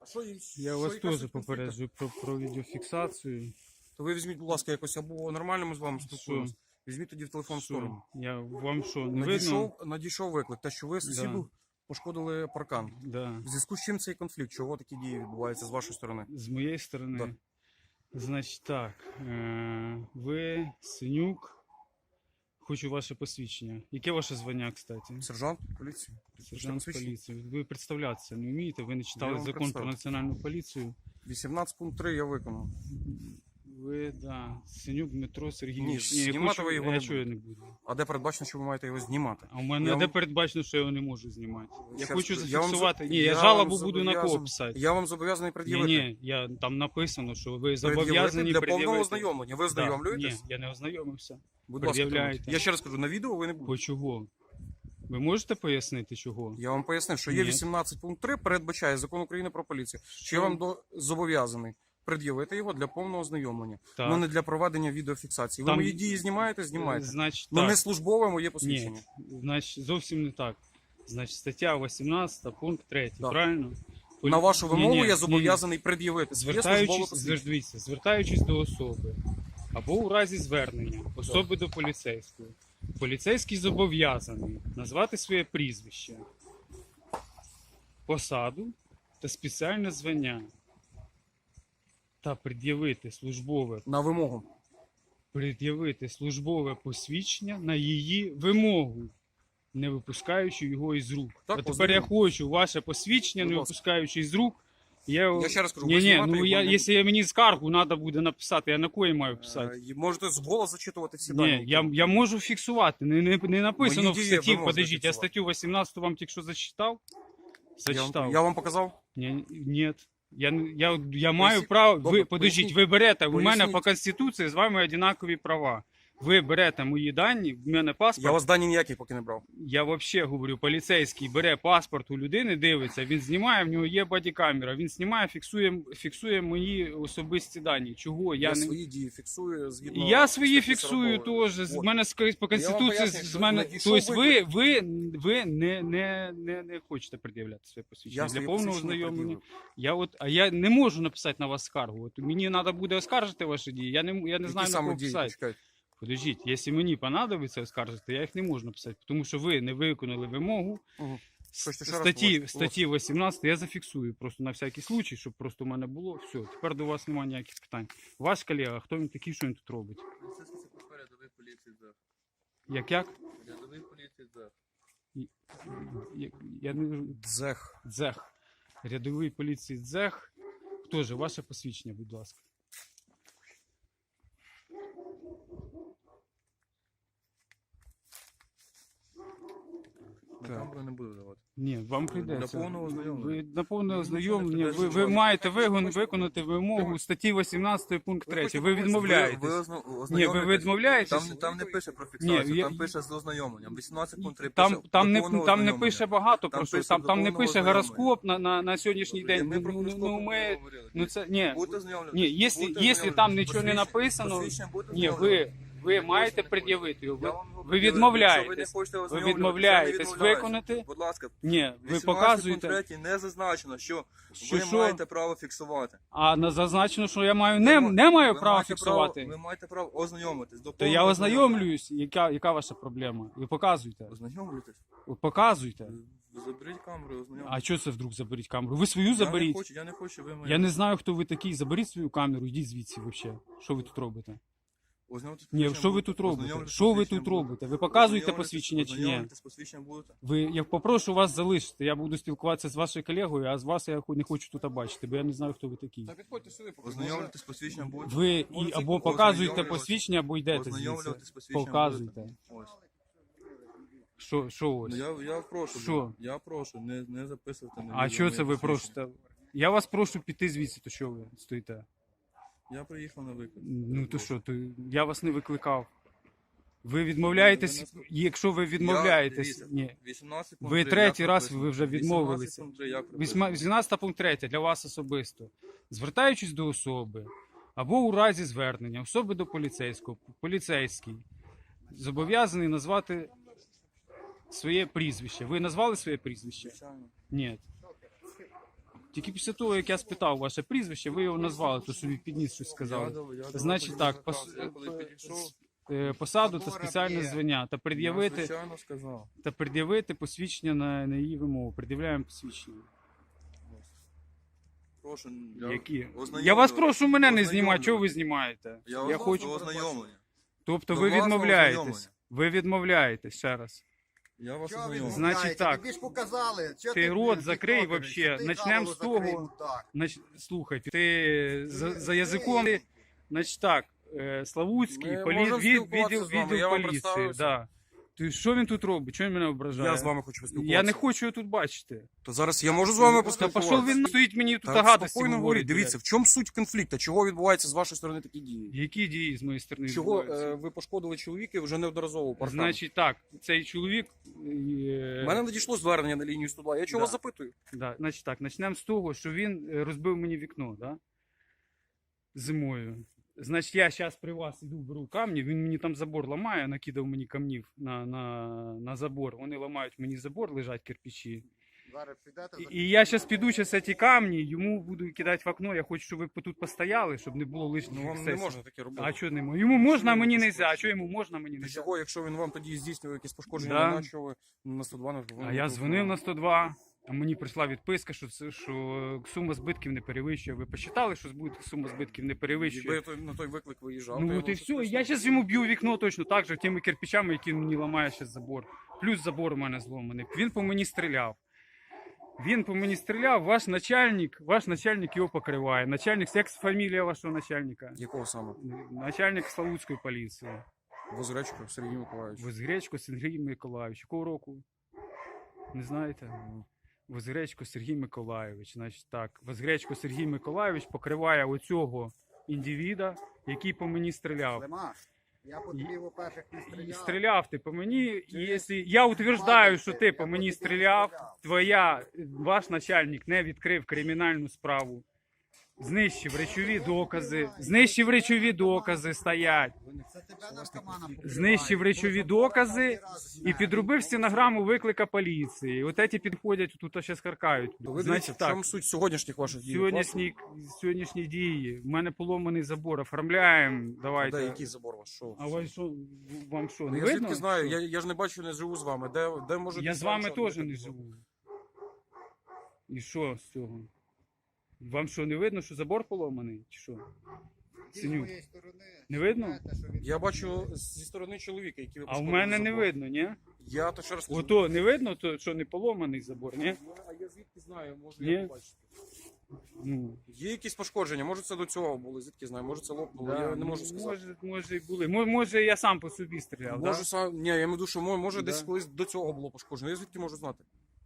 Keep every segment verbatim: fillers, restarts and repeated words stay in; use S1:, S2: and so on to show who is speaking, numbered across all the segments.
S1: що їм?
S2: Я
S1: що
S2: вас
S1: якась
S2: теж
S1: конфлікт?
S2: попереджую про, про відеофіксацію.
S1: То ви візьміть, будь ласка, якось або нормально ми з вами спілкуємося. Візьміть тоді в телефон в
S2: Що?
S1: сторону.
S2: Я вам що, не видно?
S1: Надійшов, надійшов виклик, те, що ви сусіду
S2: Да.
S1: пошкодили паркан.
S2: Да.
S1: В зв'язку з чим цей конфлікт? Чого такі дії відбуваються з вашої сторони?
S2: З моєї сторони.
S1: Да.
S2: Значить так, е- ви Синюк. Хочу ваше посвідчення. Яке ваше звання, кстати?
S1: Сержант поліції.
S2: Сержант
S1: посвідчення?
S2: поліції. Ви представлятися не вмієте, ви не
S1: Я
S2: читали
S1: вам
S2: закон про
S1: представлю.
S2: національну поліцію.
S1: вісімнадцять пункт три я виконав.
S2: Ви, да, Синюк Дмитро
S1: Ні,
S2: Сергійович.
S1: знімати
S2: я хочу,
S1: ви його
S2: я
S1: не
S2: чого я
S1: будете.
S2: не буду.
S1: А де передбачено, що ви маєте його знімати?
S2: А у мене
S1: Я
S2: де
S1: вам-
S2: передбачено, що я його не можу знімати. Я
S1: Ще
S2: хочу
S1: раз, я вам
S2: зафіксувати.
S1: за-
S2: Ні, я,
S1: я
S2: жалобу
S1: вам
S2: буду на кого
S1: зобов'язаний-
S2: писати.
S1: Я вам зобов'язаний
S2: Ні,
S1: пред'явити.
S2: ні, я, там написано, що ви
S1: Пред'явити
S2: зобов'язані
S1: для повного
S2: пред'явити.
S1: ознайомлення. Ви
S2: Да.
S1: ознайомлюєтесь?
S2: Ні, я не ознайомився.
S1: Будь ласка,
S2: пред'являєте.
S1: тримайте. Я ще раз кажу, на відео ви не будете.
S2: По чого? Ви можете пояснити, чого?
S1: Я вам пояснив, що є
S2: Ні.
S1: вісімнадцять пункт три, передбачає Закон України про поліцію, що я вам до... зобов'язаний пред'явити його для повного ознайомлення,
S2: Так.
S1: але не для проведення відеофіксації. Ви
S2: Там-
S1: мої дії знімаєте, знімаєте.
S2: Значить,
S1: Ну
S2: так.
S1: не службове моє посвідчення.
S2: Ні, значить, зовсім не так. Значить, стаття вісімнадцята, пункт три,
S1: Так.
S2: правильно? Полі-
S1: На вашу вимогу
S2: Ні-ні,
S1: я
S2: ні-ні.
S1: зобов'язаний пред'явити своє службове
S2: Звертаючись,
S1: посвідчення.
S2: звер- дивіться, звертаючись до особи або у разі звернення особи до поліцейського, поліцейський зобов'язаний назвати своє прізвище, посаду та спеціальне звання та пред'явити службове,
S1: На вимогу.
S2: пред'явити службове посвідчення на її вимогу, не випускаючи його із рук.
S1: Так,
S2: а тепер
S1: ознайомлю.
S2: я хочу ваше посвідчення,
S1: Будь
S2: не
S1: ласка.
S2: випускаючи із рук. Я,
S1: Я ще раз кажу,
S2: ні,
S1: ви
S2: ні,
S1: знімати
S2: ну
S1: його
S2: я,
S1: не
S2: якщо я мені скаргу треба буде написати, я на кої маю писати?
S1: Е, і Можете з голос зачитувати всі дані.
S2: Ні,
S1: які
S2: я,
S1: ви-
S2: я можу фіксувати. Не, не, не написано
S1: Мої
S2: в
S1: дії
S2: статті.
S1: ви можете
S2: Подождіть, я
S1: фіксувати.
S2: статтю вісімнадцяту вам тільки що зачитав?
S1: я,
S2: Зачитав.
S1: вам, я вам показав?
S2: Ні, ні. Я, не- я, я маю
S1: Поясніть.
S2: право.
S1: Добре,
S2: Ви, подождіть,
S1: поясніть.
S2: ви берете, у мене
S1: Поясніть.
S2: по Конституції з вами однакові права. Ви берете мої дані, в мене паспорт.
S1: Я вас дані ніякі поки не брав.
S2: Я взагалі говорю, поліцейський бере паспорт у людини, дивиться, він знімає, в нього є бодікамера, він знімає, фіксує, фіксує мої особисті дані. Чого?
S1: Я,
S2: Я, не...
S1: свої дії фіксую згідно.
S2: І я свої
S1: статті
S2: фіксую
S1: сорокової.
S2: теж. З
S1: От.
S2: мене з- по конституції
S1: пояснюю,
S2: з
S1: що
S2: мене.
S1: надійшов
S2: Тобто ви,
S1: виклик.
S2: ви, ви не, не, не, не хочете пред'являти своє посвідчення
S1: Я
S2: для
S1: своє
S2: повного
S1: посвідчення
S2: ознайомлення.
S1: пред'явив.
S2: Я от, а я не можу написати на вас скаргу. От мені треба буде оскаржити ваші дії. Я не, я не
S1: Які
S2: знаю на
S1: саме
S2: кого
S1: дії?
S2: писати.
S1: Почекайте.
S2: Подождіть, якщо мені понадобиться оскаржити, я їх не можу написати, тому що ви не виконали вимогу.
S1: Мгм.
S2: С-
S1: Хочете ще раз
S2: Статті,
S1: побачити?
S2: статті вісімнадцять я зафіксую просто на всякий случай, щоб просто у мене було. Все, тепер до вас немає ніяких питань. Ваш колега, хто він такий, що він тут робить?
S3: Рядовий поліції ЗЕГ.
S2: Як як?
S3: Рядовий поліції ЗЕГ.
S2: Я, я не
S1: Дзех.
S2: Дзех. Рядовий поліції Дзех. Хто же? Ваше посвідчення, будь ласка.
S3: На
S2: Так.
S3: камеру не буду давати.
S2: Ні, вам прийдеться.
S3: Для повного ознайомлення.
S2: Ви на повне
S3: Ну,
S2: ознайомлення.
S3: ну,
S2: Ви, ви
S3: ну,
S2: маєте
S3: ну,
S2: вигон,
S3: ну,
S2: виконати вимогу статті вісімнадцять пункт три.
S1: хочете
S2: Ви
S1: побачити?
S2: відмовляєтесь.
S3: Ви, ви озна-
S2: Ні, ви
S3: ознайомитесь.
S2: відмовляєтесь.
S3: Там, там не пише про фіксацію,
S2: Ні, я-
S3: там пише з ознайомленням. вісімнадцять пункт три
S2: Там,
S3: пише
S2: там,
S3: до
S2: не,
S3: повного
S2: там не
S3: ознайомлення.
S2: пише багато,
S3: Там
S2: просто
S3: пише
S2: там,
S3: до
S2: там не
S3: повного
S2: пише
S3: ознайомлення.
S2: гороскоп на, на, на сьогоднішній день.
S3: Ми
S2: Ну,
S3: про
S2: ну,
S3: гороскоп
S2: ну,
S3: не
S2: ми,
S3: говорили.
S2: ну це, ні,
S3: Будете ознайомлюватись?
S2: ні, якщо,
S3: Будете
S2: якщо там
S3: ознайомлюватись?
S2: нічого не
S3: Посвідчення-
S2: написано,
S3: посвідчення будете
S2: ні, ви,
S3: ознайомлюватись?
S2: ви маєте пред'явити його. Ви,
S3: Я вам його
S2: ви
S3: пред'явив.
S2: відмовляєтесь.
S3: Якщо ви не хочете
S2: Ви
S3: ознайомлюватись,
S2: відмовляєтесь
S3: я не відмовляюсь.
S2: виконати.
S3: Будь ласка,
S2: Ні, ви
S3: вісімнадцять
S2: показуєте.
S3: пункт три не зазначено, що,
S2: Що,
S3: ви
S2: що?
S3: маєте право фіксувати.
S2: А на зазначено, що я маю не,
S3: Ви
S2: не маю
S3: ви
S2: права
S3: маєте
S2: фіксувати.
S3: Право, ви маєте право ознайомитись. До
S2: То я
S3: повного
S2: ознайомлююсь, яка, яка ваша проблема? Ви показуйте.
S3: Ознайомлюйтесь.
S2: Ви показуйте.
S3: Ви Заберіть камеру і ознайомтесь.
S2: А що це вдруг заберіть камеру? Ви свою
S3: Я не
S2: заберіть.
S3: хочу, я не хочу, ви мої.
S2: Я не знаю, хто ви такий. Заберіть свою камеру, йдіть звідси взагалі. Що ви тут робите?
S3: Ознайомитись
S2: Ні,
S3: посвідченням
S2: що ви
S3: будете?
S2: тут робите?
S3: Ознайомитись
S2: Що ви
S3: посвідченням
S2: тут
S3: будете?
S2: робите? Ви показуєте
S3: Ознайомитись-
S2: посвідчення чи ні?
S3: Ознайомитись посвідченням будете?
S2: Ви, я попрошу вас залишити. Я буду спілкуватися з вашою колегою, а з вас я хо- не хочу тут бачити, бо я не знаю, хто ви такий.
S1: Та підходьте сюди, поки
S3: Ознайомитись посвідченням будете?
S2: Ви і
S1: Можете
S2: або показуєте
S3: ознайомлюватись-
S2: посвідчення, або йдете звідси.
S3: Ознайомлюватись посвідченням
S2: Показуйте.
S3: будете? Ось.
S2: Що, що ось?
S3: Ну, я, я прошу.
S2: Що?
S3: Я прошу, не, не записувати. на
S2: А
S3: відео
S2: що
S3: моє
S2: це ви
S3: посвідчення.
S2: просите? Я вас прошу піти звідси, то що ви стоїте?
S3: Я приїхав на виклик.
S2: Ну то що, то я вас не викликав. Ви відмовляєтесь,
S3: Ви нас-
S2: якщо ви
S3: Я-
S2: відмовляєтесь.
S3: дивіться,
S2: Ні.
S3: вісімнадцять
S2: Ви
S3: пункт три,
S2: третій
S3: як
S2: раз
S3: прописано.
S2: ви вже відмовилися.
S3: вісімнадцять пункт три, як прописано.
S2: Вісьма- вісімнадцятий пункт три для вас особисто. Звертаючись до особи або у разі звернення особи до поліцейського, поліцейський зобов'язаний назвати своє прізвище. Ви назвали своє прізвище?
S3: Звичайно.
S2: Ні. Тільки після того, як я спитав ваше прізвище, ви його назвали, то собі підніс щось
S3: Я
S2: сказали.
S3: дав- я дав
S2: Значить
S3: тоді
S2: так,
S3: наказ.
S2: пос-
S3: Я коли підійшов,
S2: Е, Посаду та спеціальне звання та
S3: я
S2: пред'явити,
S3: звичайно сказав.
S2: та пред'явити посвідчення на, на її вимогу. Пред'являємо посвідчення.
S3: Прошу,
S2: Які?
S3: ознайомлю-
S2: Я вас прошу мене не
S3: ознайомлю.
S2: знімати, чого ви знімаєте?
S3: Я,
S2: Я
S3: вас
S2: хочу.
S3: ознайомлення.
S2: Тобто
S3: До
S2: ви
S3: власного
S2: відмовляєтесь.
S3: ознайомлення.
S2: Ви відмовляєтесь ще раз.
S3: Я вас
S4: Чого ви
S3: ознайомлю.
S2: Значить
S4: відмовляєте?
S2: так.
S4: Тобі ж показали. Чого
S2: Ти
S4: ти
S2: рот
S4: блін,
S2: закрий
S4: підходиш?
S2: вообще.
S4: Ти
S2: Начнем
S4: голову
S2: з того.
S4: закрий, мудак.
S2: Нач... Слухайте, ти за, за язиком. ти- Значить так, е, Славутський,
S1: Ми
S2: полі...
S1: можемо
S2: від,
S1: спілкуватися
S2: відділ,
S1: з вами,
S2: відділ
S1: я вам
S2: поліції.
S1: представився.
S2: Да. Ти що він тут робить? Чого він мене ображає?
S1: Я з вами хочу поспілкуватися.
S2: Я не хочу його тут бачити.
S1: То зараз я можу з вами
S2: Та
S1: поспілкуватися?
S2: пішов він стоїть мені тут
S1: Та
S2: гадості
S1: спокійно говоріть.
S2: говорить.
S1: Дивіться, в чому суть конфлікту? Чого відбуваються з вашої сторони такі дії?
S2: Які дії з моєї сторони
S1: Чого
S2: відбуваються?
S1: е, ви пошкодили чоловіка вже неодноразово? паркан?
S2: Значить так, цей чоловік. Е...
S1: У мене надійшло звернення на лінію сто два. Я чого
S2: Да.
S1: вас запитую?
S2: Да, значить так, почнемо з того, що він е, розбив мені вікно, да? Зимою. Значить, я зараз при вас іду, беру камні, він мені там забор ламає, накидав мені камнів на, на, на забор. Вони ламають мені забор, лежать кирпичі.
S4: Зараз підете,
S2: І, і я зараз піду зараз ці камні, йому буду кидати в окно. Я хочу, щоб ви тут постояли, щоб не було лишніх
S1: Ну вам не
S2: ексцесів.
S1: можна таке робити.
S2: А що не можна? Йому можна, а
S1: Чому
S2: мені
S1: ви
S2: не можна. А
S1: пошкоджені?
S2: що йому можна, мені не
S1: Для
S2: можна?
S1: чого, якщо він вам тоді здійснює якісь пошкодження,
S2: Да.
S1: на що ви на сто два не
S2: А я дзвонив на сто два, а мені прийшла відписка, що це що сума збитків не перевищує. Ви посчитали, що збит- сума збитків не перевищує?
S1: Якби я той- на той виклик виїжджав, то
S2: Ну
S1: я
S2: от
S1: вам
S2: і
S1: щось
S2: все.
S1: поясню.
S2: Я зараз йому б'ю вікно точно так же, тими кирпичами, які мені ламає ще забор. Плюс забор у мене зломаний. Він по мені стріляв. Він по мені стріляв, ваш начальник, ваш начальник його покриває. Начальник, як фамілія вашого начальника?
S1: Якого саме?
S2: Начальник Славутської поліції.
S1: Возречко Сергій Миколаївич.
S2: Возгречко Сергій Миколаївич. Якого року? Не знаєте? Возгречко Сергій Миколаївич. Значить так, Возгречко Сергій Миколаївич покриває оцього індивіда, який по мені стріляв.
S4: Лемаш, я по тобі, во-перше, не
S2: І
S4: стріляв.
S2: стріляв ти по мені, і якщо я утверждаю, що ти по мені стріляв, твоя, ваш начальник не відкрив кримінальну справу, знищив речові докази, знищив речові докази стоять,
S4: Це тебе наркомана покриває.
S2: знищив речові докази і підробив стенограму виклика поліції. От ці підходять, тут ще скаркають.
S1: То ви дивіться,
S2: Значить
S1: в
S2: так,
S1: чому суть сьогоднішніх ваших дій?
S2: сьогоднішні, сьогоднішні дії, в мене поломаний забор, оформляємо,
S1: Де
S2: давайте.
S1: який забор у вас? Що?
S2: А ви що, вам що,
S1: Ну,
S2: не
S1: я
S2: видно?
S1: звідки знаю,
S2: що?
S1: я, я ж не бачу, не живу з вами. Де, де може
S2: Я
S1: десь
S2: з вами
S1: вам
S2: теж
S1: що
S2: не
S1: таке було?
S2: живу. І що з цього? Вам що, не видно, що забор поломаний? Чи що?
S4: Ти з
S2: Синюк.
S4: моєї сторони,
S2: Не видно?
S4: знаєте, що він-
S1: Я бачу зі сторони чоловіка, який ви
S2: А в
S1: пошкодили
S2: мене не
S1: забор.
S2: видно, ні?
S1: Я то ще раз кажу.
S2: Ото не видно, то, що не поломаний забор, ні?
S1: Ну, а я звідки знаю, можу
S2: Ні?
S1: я побачити.
S2: Ну,
S1: Є якісь пошкодження, може це до цього було, звідки знаю, може це лопнуло,
S2: да,
S1: я не
S2: ну,
S1: можу сказати.
S2: Може, може і були. Мо- Може, я сам по собі стріляв,
S1: Може
S2: да?
S1: сам, ні, я маю в виду, що мо- може
S2: Да.
S1: десь колись до цього було пошкоджено. Я звідки можу знати?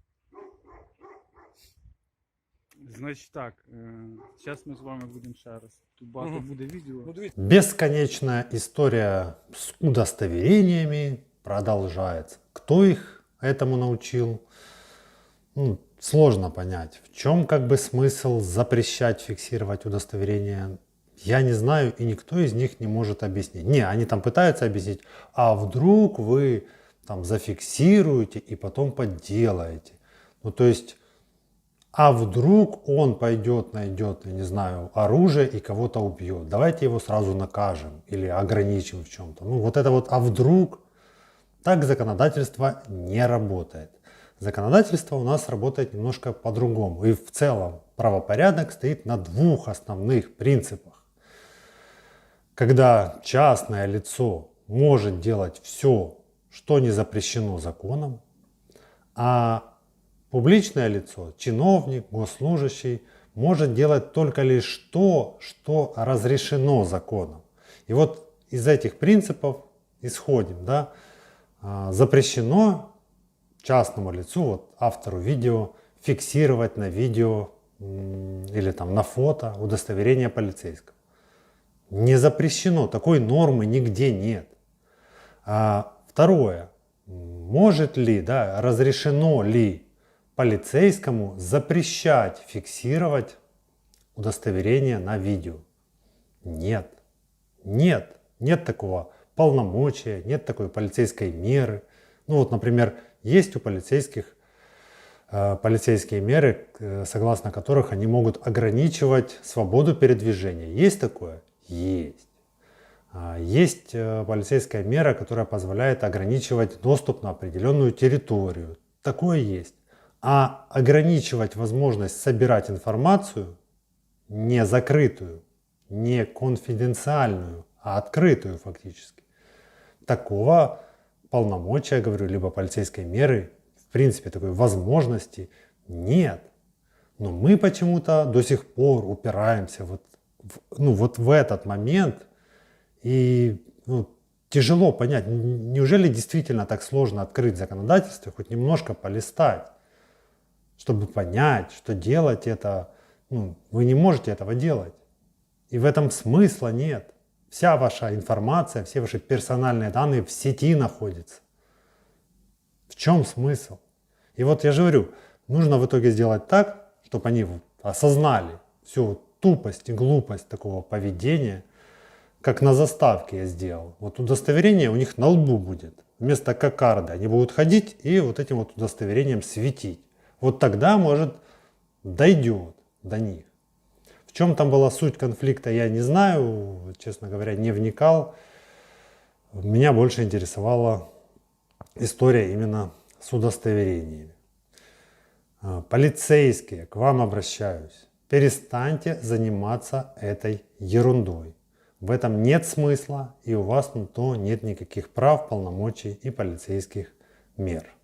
S2: Значить так, зараз ми з вами будемо ще раз. Тут багато
S1: Мгм.
S2: буде відео.
S1: Ну дивіться,
S5: Бесконечная история с удостоверениями продолжается. Кто их этому научил? Ну, сложно понять. В чем как бы смысл запрещать фиксировать удостоверения? Я не знаю, и никто из них не может объяснить. Не, они там пытаются объяснить, а вдруг вы там зафиксируете и потом подделаете. Ну, то есть, а вдруг он пойдет, найдет, я не знаю, оружие и кого-то убьет. Давайте его сразу накажем или ограничим в чем-то. Ну, вот это вот, а вдруг? Так законодательство не работает. Законодательство у нас работает немножко по-другому. И в целом правопорядок стоит на двух основных принципах. Когда частное лицо может делать все, что не запрещено законом, а публичное лицо, чиновник, госслужащий, может делать только лишь то, что разрешено законом. И вот из этих принципов исходим. Да? А, Запрещено частному лицу, вот автору видео, фиксировать на видео м, или там на фото удостоверение полицейского. Не запрещено, такой нормы нигде нет. А, второе. Может ли, да, разрешено ли полицейскому запрещать фиксировать удостоверение на видео? Нет. Нет. Нет такого полномочия, нет такой полицейской меры. Ну вот, например, есть у полицейских э, полицейские меры, э, согласно которых они могут ограничивать свободу передвижения. Есть такое? Есть. А, Есть э, полицейская мера, которая позволяет ограничивать доступ на определенную территорию. Такое есть. А ограничивать возможность собирать информацию, не закрытую, не конфиденциальную, а открытую фактически, такого полномочия, я говорю, либо полицейской меры, в принципе, такой возможности нет. Но мы почему-то до сих пор упираемся вот в, ну, вот в этот момент. И ну, тяжело понять, н- неужели действительно так сложно открыть законодательство, хоть немножко полистать, чтобы понять, что делать это, ну, вы не можете этого делать. И в этом смысла нет. Вся ваша информация, все ваши персональные данные в сети находятся. В чем смысл? И вот я же говорю, нужно в итоге сделать так, чтобы они осознали всю тупость и глупость такого поведения, как на заставке я сделал. Вот удостоверение у них на лбу будет. Вместо кокарды они будут ходить и вот этим вот удостоверением светить. Вот тогда, может, дойдет до них. В чем там была суть конфликта, я не знаю, честно говоря, не вникал. Меня больше интересовала история именно с удостоверениями. А, Полицейские, к вам обращаюсь. Перестаньте заниматься этой ерундой. В этом нет смысла, и у вас на то нет никаких прав, полномочий и полицейских мер.